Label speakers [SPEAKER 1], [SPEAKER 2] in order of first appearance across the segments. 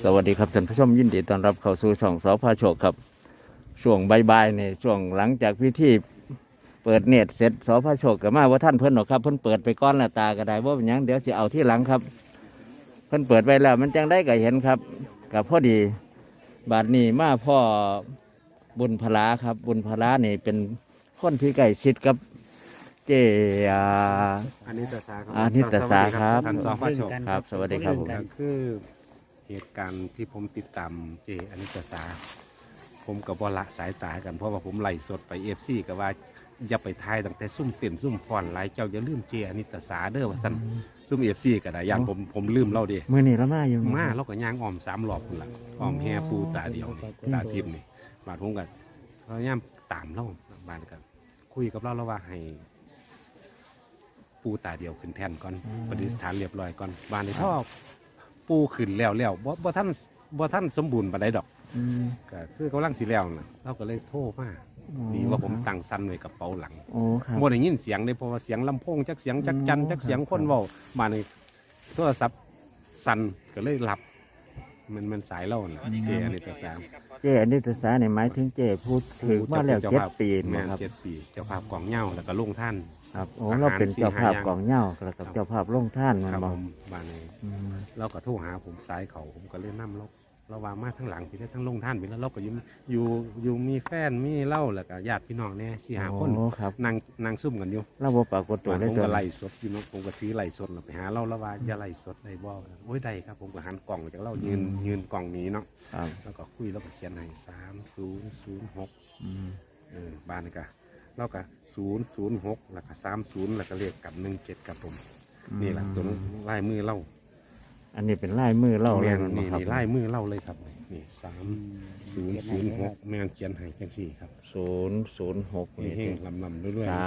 [SPEAKER 1] สวัสดีครับท่านผู้ชมยินดีต้อนรับเข้าสู่ช่องสพโชคครับช่วงบ่ายๆในช่วงหลังจากพิธีเปิดเน็ตเสร็จสพโชคกับมาว่าท่านเพิ่นหรอกครับเพิ่นเปิดไปก้อนละตาก็ได้ว่าเป็นหยังเดี๋ยวจะเอาที่หลังครับเพิ่นเปิดไปแล้วมันจังได้ก็เห็นครับกับพอดีบาดนี้มาพ่อบุญพลาครับบุญพลานี่เป็นคนที่ใกล้ชิดกับเจ
[SPEAKER 2] อันนี้ตสาครับ
[SPEAKER 1] อานิตสาครับ
[SPEAKER 2] ท่านสพโชค
[SPEAKER 1] ครับ สวัสดีครับผม
[SPEAKER 2] ก็คือเหตุการณ์ที่ผมติดตามเจอนิตสาผมกับวละสายตากันเพราะว่าผมไล่สดไปFCกับว่าอย่าไปทายตั้งแต่ซุ่มเต็มซุ่มฟอนไล่เจ้าอย่าลืมเจอนิตสาเด้อว่าซั่นซุ่มFCก็ได้ย่านผมลืมเล่าดิ
[SPEAKER 1] เมื่อนี้เรามาอยู่
[SPEAKER 2] มาเราก็ย่างอ้อม3รอบพุ่นล่ะอ้อมแห่ปูตาเดียวนี่ตาทิพย์นี่บาดผมก็พยายามตามเราบาดกันคุยกับเราแล้วว่าให้ปูตาเดียวขึ้นแท่นก่อนปฏิสถานเรียบร้อยก่อนบ้านนี้พ่อปูขึ้นแล้วบ่ท่านสมบูรณ์ปานใดดอก
[SPEAKER 1] อืม
[SPEAKER 2] ก็คือกำลังสิแล้วน่ะเราก็เลยโทรมาดีว่าผมตั้งซันไว้กับเป๋าหลัง
[SPEAKER 1] โอ้ครับ
[SPEAKER 2] บ่ได้ยินเสียงเลยเพราะว่าเสียงลำโพงจักเสียงจักจันจักเสียงคนเว้ามาในโทรศัพท์สั่นก็เลยหลับมันสายเล่าน่ะเจอันนี้แต่สาม
[SPEAKER 1] เจอนิตสาเนี่ยหมายถึงเจพูดถึงมาแล้ว7 ปี
[SPEAKER 2] แม่
[SPEAKER 1] นะครับ
[SPEAKER 2] 7 ปีเจ้าภาพกองเหย้าแล้วก็ลุงท่าน
[SPEAKER 1] ครับโอ้เราเป็นเจ้าภาพกองเหย้าแล้วกับเจ้าภาพลงท่านมัน
[SPEAKER 2] ครับ
[SPEAKER 1] บอ
[SPEAKER 2] ผ
[SPEAKER 1] ก
[SPEAKER 2] มบ้านนี้
[SPEAKER 1] อืม
[SPEAKER 2] เราก็โทรหาผมสายเขาผมก็เลยนำเราวางมาทั้งหลังพี่ได้ทั้งลงท่านพี่แล้วเราก็อยู่มีแฟนมีเล่าแล้วก็ญาติพี่น้องเนี่ยสี่หาคน
[SPEAKER 1] โอ้ครับ
[SPEAKER 2] นั่งซุ่มกันอยู่
[SPEAKER 1] เราบ่ปรากฏตัว
[SPEAKER 2] บ้าน
[SPEAKER 1] ได้
[SPEAKER 2] ผม
[SPEAKER 1] ตัว
[SPEAKER 2] ก็ไล่สดอยู่เนาะผมก็ถือไล่สดเราไปหาเราแล้วว่าอย่าไล่สดได้บ่โอ้ยได้ครับผมก็หันกล่องจากเรายืนกล่องนี้เนาะ
[SPEAKER 1] ครับ
[SPEAKER 2] แล้วก็คุยแล้วก็เขียนให้3006
[SPEAKER 1] อืม
[SPEAKER 2] บ้านนี่ก็เราก็006แล้วก็30แล้วก็เลขกับ17ครับผมนี่แหละตัวลายมือเล่า
[SPEAKER 1] อันนี้เป็นลายมือเล่า
[SPEAKER 2] แม
[SPEAKER 1] เลย
[SPEAKER 2] น
[SPEAKER 1] มัน
[SPEAKER 2] นี่
[SPEAKER 1] ครับ
[SPEAKER 2] นี่ไล่มือเล่าเลยครับนี่3006แมนเขียนให้จังสี่ครับ
[SPEAKER 1] 006นี่
[SPEAKER 2] เฮงลำเรื่อยๆ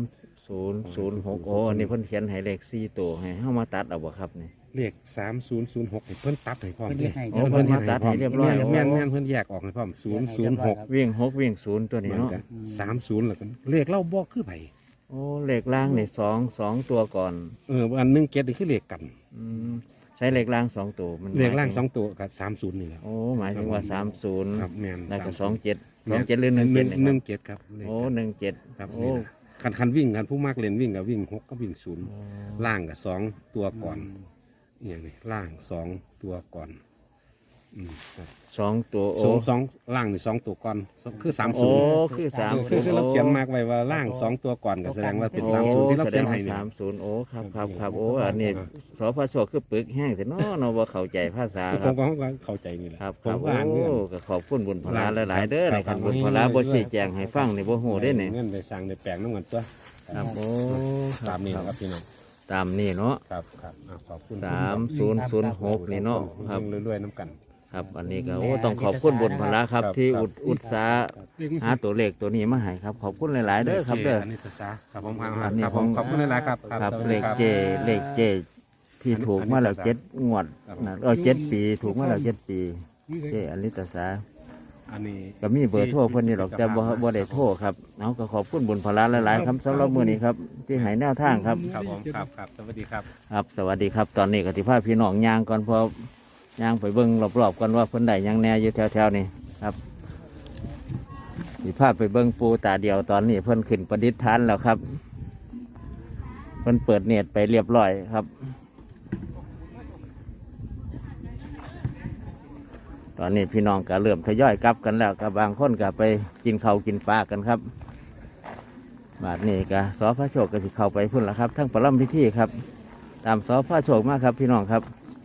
[SPEAKER 1] 3006โอ้อันนี้เพิ่นเขียนให้เลข4ตัวให้เฮามาตัดเอาบ่ครับนี่
[SPEAKER 2] เลข3006ให้เพิ่นตัดให้พร้อม
[SPEAKER 1] โอ้เพิ่นมาตัดให้เรียบร้อย
[SPEAKER 2] แม่นเพิ่นแยกออกให้พร้อม006
[SPEAKER 1] วิ่ง6วิ่ง0ตัวนี้
[SPEAKER 2] มัน
[SPEAKER 1] เนาะ
[SPEAKER 2] ก็30แล้วก็เลขเล่าบ่คือไผ
[SPEAKER 1] โอ้เลขล่างนี่2ตัวก่อน
[SPEAKER 2] อัน17นี่คือเลขกัน
[SPEAKER 1] อืมใช้เลขล่าง2ตัวมัน
[SPEAKER 2] เลขล่าง
[SPEAKER 1] หมยถึ
[SPEAKER 2] 2ตัวกับ30นี่แหละ
[SPEAKER 1] โอ้หมายถึงว่า
[SPEAKER 2] ครับ
[SPEAKER 1] 30
[SPEAKER 2] แม่น
[SPEAKER 1] แล้วก็
[SPEAKER 2] 30
[SPEAKER 1] 27หรือ17นี่ครับ
[SPEAKER 2] 17ครับเลข
[SPEAKER 1] โอ้
[SPEAKER 2] กัน
[SPEAKER 1] 17
[SPEAKER 2] ครับ
[SPEAKER 1] โอ้
[SPEAKER 2] นี่นะคันวิ่งกันผู้มากเล่นวิ่งกับวิ่ง6ก็วิ่ง0
[SPEAKER 1] โอ้
[SPEAKER 2] ล่างกับ2ตัวก่อนอย่างนี้ล่าง2ตัวก่อนครับ
[SPEAKER 1] 2ตัวโอ้
[SPEAKER 2] สองล่างนี่2ตัวก่อนคือ
[SPEAKER 1] โอ้
[SPEAKER 2] 30
[SPEAKER 1] คือ30
[SPEAKER 2] คือเราเขียนมากไว้ว่าล่าง2ตัวก่อนก็แสดงว่าเป็น30ที่เราเขียนให้นี่
[SPEAKER 1] 30โอ้ครับโอ้อันนี้สพชคือปึกแห้งแต่เนาะเนาะบ่เข้าใจภาษา
[SPEAKER 2] ผ
[SPEAKER 1] ครั
[SPEAKER 2] ม
[SPEAKER 1] บ
[SPEAKER 2] ก็เข้าใจนี่แหละ
[SPEAKER 1] ครับ
[SPEAKER 2] ผมก็
[SPEAKER 1] โอ้
[SPEAKER 2] อ่านเงื่อน
[SPEAKER 1] ก็ขอบคุณบุญพลาหลายๆเด้อ
[SPEAKER 2] ครับ
[SPEAKER 1] นะครับ
[SPEAKER 2] ครับ
[SPEAKER 1] บุญพลาบ่ชี้แจงให้ฟังนี่บ่ฮู้ได้นี่
[SPEAKER 2] เงื่อนไปสร้างในแปลงน้ำเงินตัว
[SPEAKER 1] ครับโอ้
[SPEAKER 2] ตามนี้นะครับพี่น้อง
[SPEAKER 1] ตามนี่เนาะ
[SPEAKER 2] ครับขอบคุณ
[SPEAKER 1] 3006นี่เนาะครับ
[SPEAKER 2] เรื่อยๆน้ำกัน
[SPEAKER 1] ครับอันนี้ก็โอ้ต้องขอบคุณบุญพลาครับ
[SPEAKER 2] ครับ
[SPEAKER 1] ที่
[SPEAKER 2] ครับ
[SPEAKER 1] อุตสาห์หาตัวเลขตัวนี้มาให้ครับ ขอบคุณหลายๆเด้อครับเด้อ
[SPEAKER 2] อันนี้ภาษาครับผม
[SPEAKER 1] อันนี้
[SPEAKER 2] ครับ
[SPEAKER 1] ข
[SPEAKER 2] ผ
[SPEAKER 1] อง
[SPEAKER 2] มขอบคุณหลายๆครับ
[SPEAKER 1] ครับ
[SPEAKER 2] สวัส
[SPEAKER 1] เล
[SPEAKER 2] ดี
[SPEAKER 1] ข
[SPEAKER 2] ครับ
[SPEAKER 1] เจที่ถูกมาแล้ว7 งวดนะ7 ปีถูกมาแล้ว7 ปีเจอลิตสา
[SPEAKER 2] อันนี้
[SPEAKER 1] ก็มีเบอร์โทรเพิ่นนี่หรอกแต่บ่ได้โทรครับเอาก็ขอบคุณบุญพลาหลายๆครับสำหรับมื้อนี้ครับที่ให้แนวทางครับ
[SPEAKER 2] ครับผมครับสวัสดีครับ
[SPEAKER 1] ครับสวัสดีครับตอนนี้ก็สิพาพี่น้องย่างก่อนเพอย่างไปเบิ่งรอบๆกันว่าเพิ่นได้หยังแหน่อยู่แถวๆนี้ครับสิพาไปเบิ่งปูตาเดียวตอนนี้เพิ่นขึ้นประดิษฐานแล้วครับเพิ่นเปิดเน็ตไปเรียบร้อยครับ ตอนนี้พี่น้องก็เริ่มทยอยกลับกันแล้วกับบางคนก็ไปกินข้าวกินปลากันครับบาดนี้ก็สพโชคก็สิเข้าไปพุ่นละครับทั้งประลัมพิธีครับ ตามสพโชคมากครับพี่น้องครับ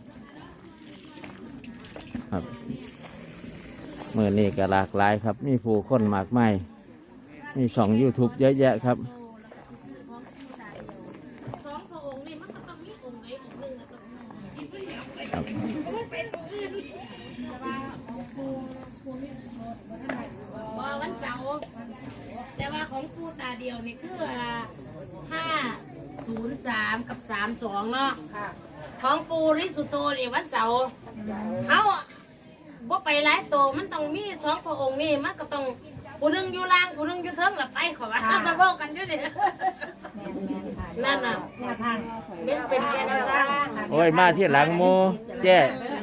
[SPEAKER 1] ครับเมื่อนี้ก็หลากหลายครับมีผู้คนมากมายมีช่อง YouTube เยอะแยะครับ
[SPEAKER 3] สองพระองค์นี่มันก็ต้องมีองค์ไหนองค์หนึ่งอะต้องมีที่เพิ่นเอาไป
[SPEAKER 1] ครับ
[SPEAKER 3] มันเป็นองค์อื่นว่าวันเสาร์แต่ว่าของปู่ตาเดียวนี่คือ503กับ32เนาะของปู่ริสุโตนี่วันเสาร์เขาบ่ไปหลายโตมันต้องมีสองพระองค์นี่มันก็ต้องผู้หนึงอยู่ล่างผู้หนึงอยู่เทิงละไปขอว่ามาเว้ากันอยู่นี่นั่นน่ะเป็นแค่นั้น
[SPEAKER 1] โอ้ยมาที่หลังหมูเจ้
[SPEAKER 3] ฮะ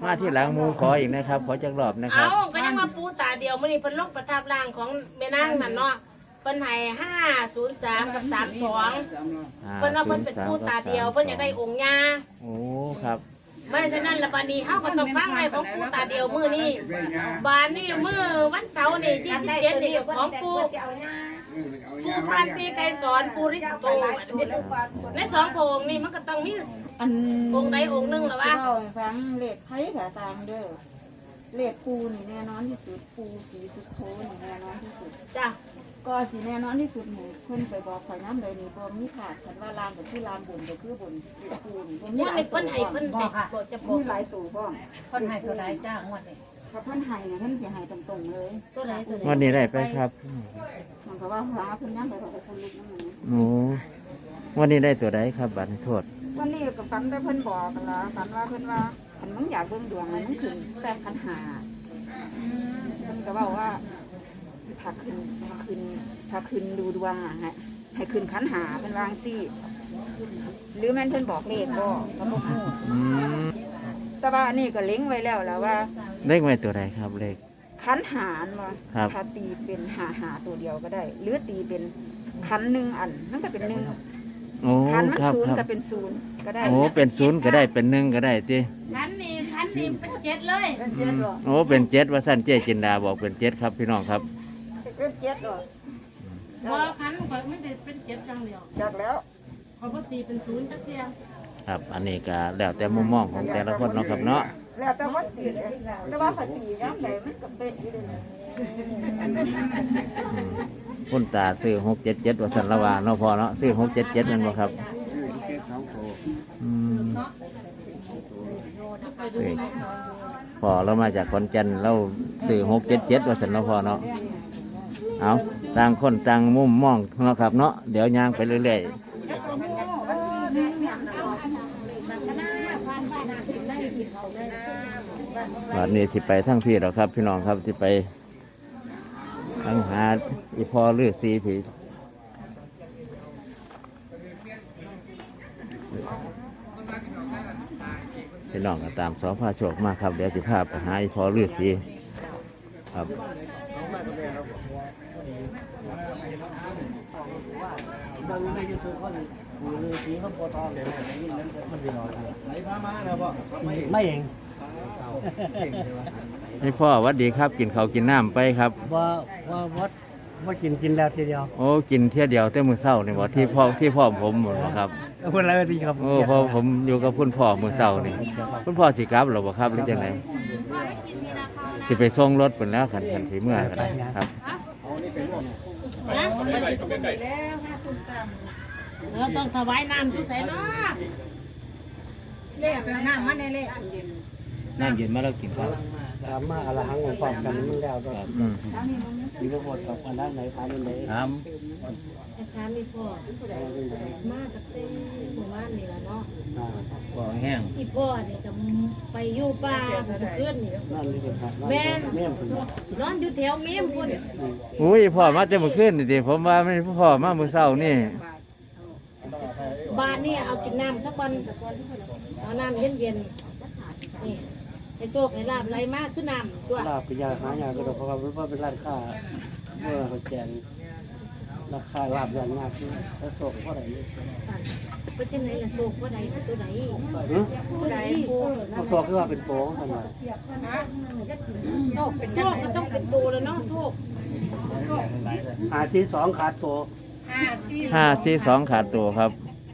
[SPEAKER 1] มาที่หลังหมูขออีกนะครับ ขอจักรอบนะครั
[SPEAKER 3] เอา
[SPEAKER 1] บ
[SPEAKER 3] ก็ยังมาปูตาเดียวมื้อนี้เพิ่นลงประทับร่างของแม่นางนั่นเนาะเพิ่นให้503กับ32เพิ่นว่าเพิ่นเป็นปูตาเดียวเพิ่นอยากได้องค์ย่า
[SPEAKER 1] โอ้ครับ
[SPEAKER 3] ไม่ฉะนั้นละบัดนี้เฮาก็ต้องฟังให้ของปูตาเดียวมื้อนี้บานนี้มื้อวันเสาร์นี่27นี่ของปูพันปีไกรสอนปูริสโตในสองพระองค์นี่มันก็ต้องมี
[SPEAKER 4] อัน
[SPEAKER 3] องค์ใดองค์หนึงล่ะวะ
[SPEAKER 4] เล่าให้ฟังเลขไผ่กับตามเด้อเลขปูนี่แน่นอนที่สุดปูสีสุดโทนี่แน่นอนที่สุด
[SPEAKER 3] จ้ะ
[SPEAKER 4] ก็สีแน่นอนที่สุดหนูเพิ่นไปบอกข่อยน้ำเลยนี่บ่มีขาดคันว่าลานก็คือลานบุญก็คือบุญปูนี่บ่มี
[SPEAKER 3] มื้อ
[SPEAKER 4] หลาย
[SPEAKER 3] นี้
[SPEAKER 4] ตัว
[SPEAKER 3] เพิ่นให้เพิ่นให้บ่จะบอ
[SPEAKER 4] มี
[SPEAKER 3] ก
[SPEAKER 4] หลายตัวบ้อง
[SPEAKER 5] คนให้ตัวใดจ้างวดนี้
[SPEAKER 4] ถ้าเพิ่นให้เนี่ยเพิ่นสิให้ตรงๆเลย
[SPEAKER 3] ตัวไหนตัวไหน
[SPEAKER 1] วันนี้ได้ไปครับ
[SPEAKER 4] มันก็ว่าหาเพิ่นยังไปบอกคนลุกนั่นน่ะ
[SPEAKER 1] โอ้วันนี้ได้ตัวใดครับบัตรโทษ
[SPEAKER 4] วันนี้ก็ฝันได้เพิ่นบอกกันละฝันว่าเพิ่นว่าคันมึงอยากเบิ่งดวงมันมึงขึ้นแต่คันหาเพิ่นก็บอกว่าถ้าขึ้นดูดวงอ่ะให้ขึ้นคันหาเพิ่นวาจั่งซี่หรือแม่นเพิ่นบอกเลขบ่ก็บ่ฮู้
[SPEAKER 1] อืม
[SPEAKER 4] แต่ว่าอันนี้ก็เล็งไว้แล้วว่า
[SPEAKER 1] เลขไว้ตัวใดครับเลข
[SPEAKER 4] คันหารบ่
[SPEAKER 1] ครับ
[SPEAKER 4] ถ้าตีเป็นหาตัวเดียวก็ได้ หรือตีเป็นคันหนึ่งอันมันก็เป็นหนึ่ง
[SPEAKER 1] โอ้
[SPEAKER 4] คันมัน
[SPEAKER 1] ครับ
[SPEAKER 4] ศูน
[SPEAKER 1] ค
[SPEAKER 4] ย์
[SPEAKER 1] รับ
[SPEAKER 4] ก็เป็นศูนย์ก็ได้
[SPEAKER 1] โอ้เป็นศูนย์ก็ได้เป็นหนึ่งก็ได้จี
[SPEAKER 3] คันนี้เป็นเจ็ดเลย
[SPEAKER 4] เป็นเจ็ดหรอ
[SPEAKER 1] โอ้เป็นเจ็ดว่าสั้นเจ๊จินดาบอกเป็นเจ็ดครับพี่น้องครับ
[SPEAKER 4] เป็นเจ็ดหรอ
[SPEAKER 3] บ่คันข่อยไม่ได้เป็นเจ็ดจังเดียว
[SPEAKER 4] จากแล้ว
[SPEAKER 3] เขาบ่ตีเป็นศูนย์จักเที่ย
[SPEAKER 1] ครับ อันนี้ก็แล้วแต่มุมมองของแต่ละคนเนาะครับเนาะ
[SPEAKER 4] แล้วแต่ว่าตีแต่ว่าถ้าตีย้ำไหนมันก็เป็นอยู่เลย
[SPEAKER 1] คุณตาซื้อ677ว่าสันละวาเนาะพอเนาะซื้อ677นั่นบ่ครับอืมเลขพอเรามาจากขอนแก่นเราซื้อ677ว่าสันเนาะพอเนาะเอาต่างคนต่างมุมมองเนาะครับเนาะเดี๋ยวย่างไปเรื่อยๆวันนี้สิไปทั้งพี่หรอครับ พี่น้องครับสิไปทั้งหาอีพอลือสีผีพี่น้องก็ตามสอพาโชคมาครับเดี๋ยวสิพาไปหาอีพอลือสีครับ
[SPEAKER 5] ไม่เอง
[SPEAKER 1] ให้พ่อหวัดดีครับกินข้าวกินน้ำไปครับ
[SPEAKER 5] ว่ากินแล้วทีเดียว
[SPEAKER 1] โอ้กินเที่ยวเดียวแต่มื้อเช้านี่บ่ที่พ่อผมหมดบ่ครับ
[SPEAKER 5] คนอะไรทีครับ
[SPEAKER 1] โอ้พอผมอยู่กับคุณพ่อมื้อเช้านี่คุณพ่อสิกลับหรอบ่ครับหรือจังไดสิไปส่งรถเพิ่นแล้วคันสิเมื่อก็ได้ครับ
[SPEAKER 3] เราต้องถวายน้ำที่ใส่เนาะ
[SPEAKER 4] เล่ไปน้ำมาในเล่
[SPEAKER 1] น้ำเย็นมาแล้วกินข้าว
[SPEAKER 5] ถามมาอะไรหังของความกันมึงแล้วก็
[SPEAKER 1] อืม
[SPEAKER 5] มีทั้งหมดกับอันด้านไหนทานด้านไหน
[SPEAKER 1] ถาม
[SPEAKER 3] อาจารย์มีพ่อมาจากเต้หมู่บ้านนี่ล่ะเนาะ
[SPEAKER 1] บ่แห้ง
[SPEAKER 3] อีพ่อนี่จะไปอยู่ป่าขึ้นนี่
[SPEAKER 5] นั่นนี่เป็นครับ
[SPEAKER 3] แม่น
[SPEAKER 5] แม่เป็น
[SPEAKER 3] นอนอยู่แถวเมียมพุ่น
[SPEAKER 1] อุ้ยพ่อมาแต่เมื่อคืนนี่สิผมว่าไม่พ่อมามื้อเช้านี่
[SPEAKER 3] บ้านนี่เอากินน้ำสักวันเอาน้ำเย็นๆนี่ให้โชคให้ลาบไหลมากขึ้นน้ำตัว
[SPEAKER 5] ลาบปิยาหายาก็เพราะว่าเป็นร้านค้าเมื่อเขาแจงราคาลาบอย่างมากที่ถ้าโศกเท่าไหร่
[SPEAKER 3] ไปจังไหนล่ะโชคว่าใดตัวใดตัวใดปู
[SPEAKER 5] เขาโศกคือว่าเป็นโป้งกันมา
[SPEAKER 3] โชคก็ต้องเป็นตัวแล้วเนาะโชค
[SPEAKER 5] หาที่สองขาดโต
[SPEAKER 1] 542ขาดตัวครับ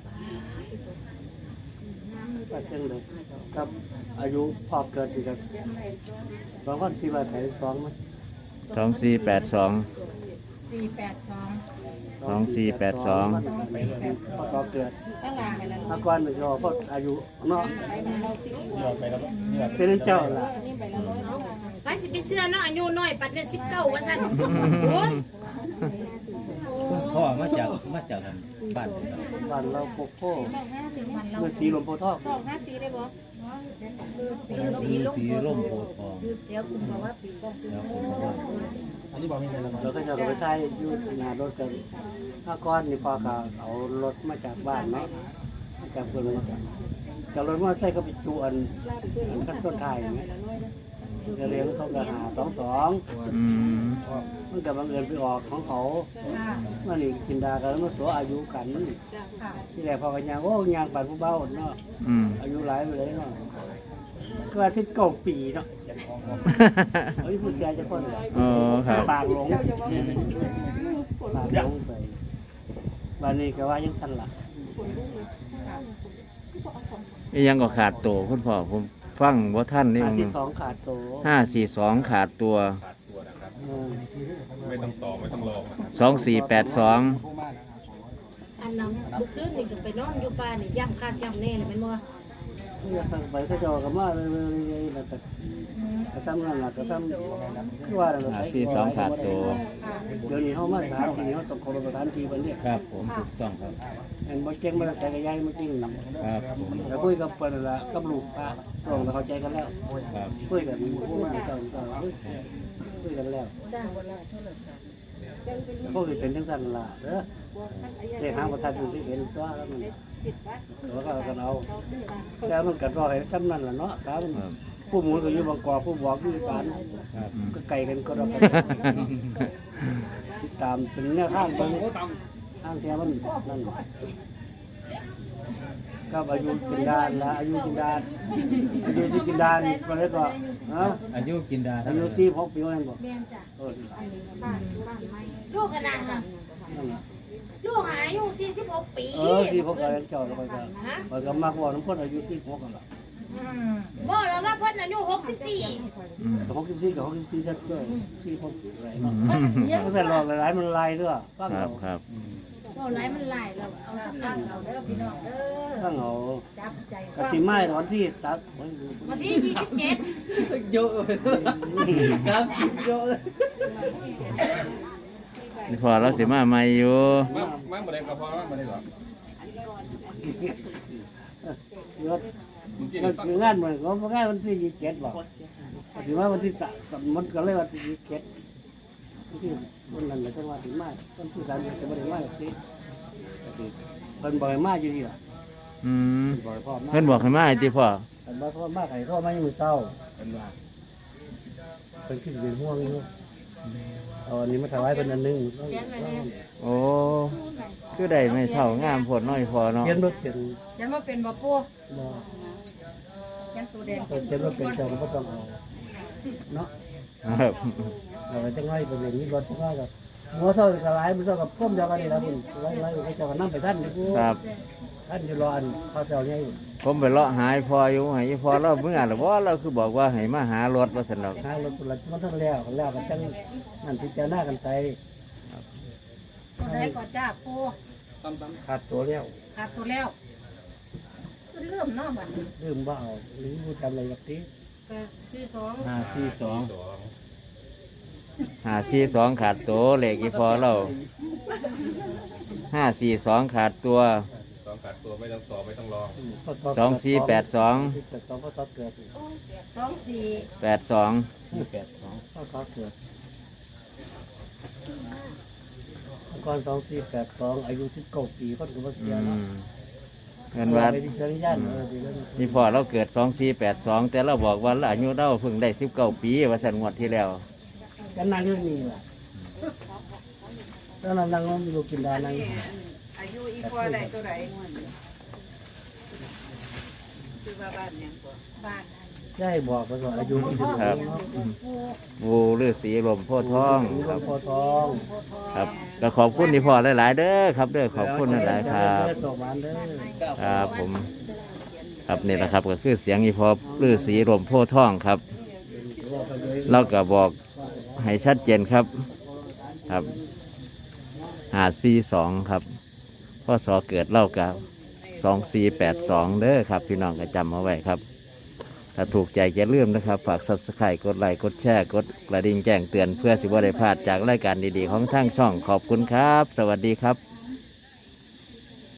[SPEAKER 5] ก็เช่นเลยครับอายุพอเกิดอีกครับสองคนที่ว่าไถสองมั้ย
[SPEAKER 1] 2482 2482
[SPEAKER 5] พอเกิดอาการหนึ่งรอเพราะอายุเนาะเป็นเจ้าล่ะ
[SPEAKER 3] ไปสิไปเชื่อเนาะอายุน้อยปัดเนี่ย19ว่าซั่นโอ้ย
[SPEAKER 6] พ่อมาจากบ้าน
[SPEAKER 5] บ้านเราโคโค่เมื่อสีลมโพธิ์ทอง
[SPEAKER 6] สีร่มโพธิ์ทอง
[SPEAKER 5] เราก็จะไปใช้ยูงานรถกันถ้าก้อนนี่พอเขาเอารถมาจากบ้านเนาะมาจากเพื่อนมาจากจากรถว่าใช่เขาไปจูอันขั้นต้นไทยจะเลี้ยงเขาก็หา22
[SPEAKER 1] อืม
[SPEAKER 5] มันกับบังเอิญไปออกของเขามันนี่กินดากันแล้วมันสัวอายุกันที่แรกพอกันยางโอ้ยางปัดผู้เบาเนาะ
[SPEAKER 1] อืม
[SPEAKER 5] อายุหลายไปเลยเนาะก็อาทิตย์9 ปีเนาะเฮ้ยผู้เสียจะคน
[SPEAKER 1] อ๋อครับ
[SPEAKER 5] ปากหลงปากหลงไปบ้านนี้ก็ว่ายังทันละ
[SPEAKER 1] อียังก็ขาดตัวคุณพ่อผมฟังว่าท่านนี่
[SPEAKER 5] อาทิตย์2ขาดโต
[SPEAKER 1] 542ขาดตัว
[SPEAKER 2] ไม่ต้องต่อไม่ต้องรอ
[SPEAKER 1] 2482
[SPEAKER 3] อันนั้นเมื่อคืนนี่ก็ไปนอนอยู่ป่านี่ย่ำคาดย่ำแน่เลยแม่นบ่
[SPEAKER 5] อยากทำไปก็จอกันมาเลยๆแต่ก็ทำนั่นแหละก็ทำคือว่าอะไร
[SPEAKER 1] 542ขาดตัว
[SPEAKER 5] เดี๋ยวนี้เขามาถามทีนี้เขาต้องเคารพสถานที่มันเนี่ย
[SPEAKER 6] ครับผมถูกต้องครับ
[SPEAKER 5] เห็นบ่เก่งมาแต่กระยายมาจริง
[SPEAKER 6] ครับผม
[SPEAKER 5] แล้วคุยกับเพิ่นนั่นละกับลูกป้าตรงแล้วเข้าใจกันแล้ว
[SPEAKER 6] ครับ
[SPEAKER 5] คุยกันผู้มาเจ้าคุยกันแล้ว
[SPEAKER 3] จ้า
[SPEAKER 5] ก็คือเป็นจังซั่นล่ะเด้อเลขหางประทัดอยู่ที่เห็นตัวแล้วมันแล้วก็กันเอาแต่มันก็รอให้ซ้ำนั่นล่ะเนาะสามันผู้หมุนก็อยู่บางกอกผู้บอกอยู่อีสาน
[SPEAKER 6] ครับ
[SPEAKER 5] ก็ไกลกันก็ดอกกันติดตามเป็นแนวทางเบิ่งทางแท้มันนั่นก็อายุกินดานละอายุกินดานอายุที่กินดานก็เลยก็ฮะ
[SPEAKER 6] อายุกินดา
[SPEAKER 5] อายุ46 ปีว่านั่นบ่
[SPEAKER 3] แม่นจ้ะ
[SPEAKER 5] เออ
[SPEAKER 3] ลูกขนาดค่ะ
[SPEAKER 5] นั่นล่ะ
[SPEAKER 3] ลูกอายุ46 ปี
[SPEAKER 5] ที่พวกเราเจ้าแล้วก็ก็มักว่าน้ำพ่นอายุ46กันล่ะ
[SPEAKER 3] บ่แล้วว่าเพิ่นอายุ64
[SPEAKER 1] อืม
[SPEAKER 5] 64กับ64ชัดด้วยที่พวกอะไรเนาะ
[SPEAKER 3] เยอะ
[SPEAKER 5] ก็แต่หลอกหลายๆมันลายด้วยฟัง
[SPEAKER 1] ครั
[SPEAKER 5] เอา
[SPEAKER 1] บครับ
[SPEAKER 3] บ่หลายมันหลายแล้วเอาสำนักเอาเด้อพี่น้องเด้อ
[SPEAKER 5] ฟังเอา
[SPEAKER 3] จับใจ
[SPEAKER 5] กะสิไม้วันที่ตัด
[SPEAKER 3] วันที่27
[SPEAKER 6] เยอะครับเยอะ
[SPEAKER 1] นี่พอเราสิมาใหม่อยู่
[SPEAKER 2] มาบ่ได้ก็พอมาบ่ได้หรอก
[SPEAKER 5] ยศมันคืองานเหมือนเขางานวันที่27บอกถือว่าวันที่3มันก็เลยวันที่27ที่วันนั้นเลยจังหวัดที่มาวันที่3จะบ่ได้มาสิเพิ่นบ่ให้มาอยู่นี่ล่ะ
[SPEAKER 1] อืม
[SPEAKER 5] บ่ให้พ่อมา
[SPEAKER 1] เพิ่นบอกให้มาให้ติพ่อ
[SPEAKER 5] เพิ่นบ่พ่อมาให้พ่อมาอยู่มื้อเช้าเพิ่นว่าเพิ่นคิดเป็นห่วงอยู่เอาอันนี้มาถวายเพิ่นอันหนึง
[SPEAKER 1] โอ้คือได้ไม่เท่างามโพดน้อยพอเนาะ
[SPEAKER 5] เขียนบ่เป็น
[SPEAKER 3] ยังบ่เป็นบ่ปู่
[SPEAKER 5] บ่
[SPEAKER 3] ยังตัวแดง
[SPEAKER 5] เขียนบ่เป็นเจ้าก็บ่ต้องเอาเนาะ
[SPEAKER 1] ครับ
[SPEAKER 5] เราไปจังไรไปเรียนนี้รถจังไรกับหัวเท่ากับหลายมันเท่ากับพ่มเดียวกันนี่ละคุณไล่ไปเจ้ากันนั่งไปท่านนี่กู
[SPEAKER 1] ครับ
[SPEAKER 5] ท่านอยู่รออันข้าวเจ้าเนี่ย
[SPEAKER 1] ผมไปเลาะหายพออยู่ให้พอเราเมื่อหรือว่าเราคือบอกว่าให้มาหารถว่าสนอก
[SPEAKER 5] หารถรถมันทั้งแล้วกันจังนั่นพิจารณากันไป
[SPEAKER 3] ตัวใดก็จ้าปู่
[SPEAKER 5] ขาดตัวแล้ว
[SPEAKER 3] ขาดตัวแล้วคือเริ่มเนาะบัดนี้
[SPEAKER 5] ลืมว่าเอาหรือผู้จำอะไรแบบนี้
[SPEAKER 3] ก็คือ
[SPEAKER 1] 542
[SPEAKER 6] 542
[SPEAKER 1] ขาดตัวเลขอีพอเรา542ขาดตัว
[SPEAKER 2] 2ขาดตัวไม่ต้องต่อไม่ต้องรอ
[SPEAKER 1] 2482
[SPEAKER 5] 82ก็ต่อเกิด
[SPEAKER 3] 24
[SPEAKER 1] 82
[SPEAKER 5] ก็ต่อเกิดก่อน2482อายุ19 ปีก็ถือว่าเสีย
[SPEAKER 1] อื
[SPEAKER 5] แล้ว
[SPEAKER 1] มเงินวัด
[SPEAKER 5] ไปดิฉันย่านดีแล้ว
[SPEAKER 1] นี่พอเราเกิด2482แต่เราบอกว่าเราอายุเราเพิ่งได้19 ปีว่าสันงวดที่แล้ว
[SPEAKER 5] กันนั่งอยู่นี่ล่ะแล้วนั่งอยู่กินได้นั่ง
[SPEAKER 4] อายุอีพอได้ตัวใดคือว่าบ้านหยังบ่
[SPEAKER 3] บ้าน
[SPEAKER 5] ใช่บอกไปก่อนอายุที่ถึง
[SPEAKER 1] ครับ วูฤาษีลมโพธิ์ทองครับ
[SPEAKER 5] พอทอง
[SPEAKER 1] ครับก็ขอบคุณที่พ่อหลายๆเด้อครับเด้อขอบคุณหลายๆครับ
[SPEAKER 5] ส่งมาเด้อ
[SPEAKER 1] ครับผมครับนี่แหละครับก็คือเสียงอีพอฤาษีลมโพธิ์ทองครับเราก็บอกให้ชัดเจนครับครับ542ครับพ่อสอเกิดเล่ากับ2482เด้อครับพี่น้องก็จำเอาไว้ครับ ถ้าถูกใจอย่าลืมนะครับ ฝาก Subscribe กดไลค์กดแชร์กดกระดิ่งแจ้งเตือนเพื่อสิบว่าได้พลาดจากรายการดีๆของทางช่องขอบคุณครับ สวัสดีครับ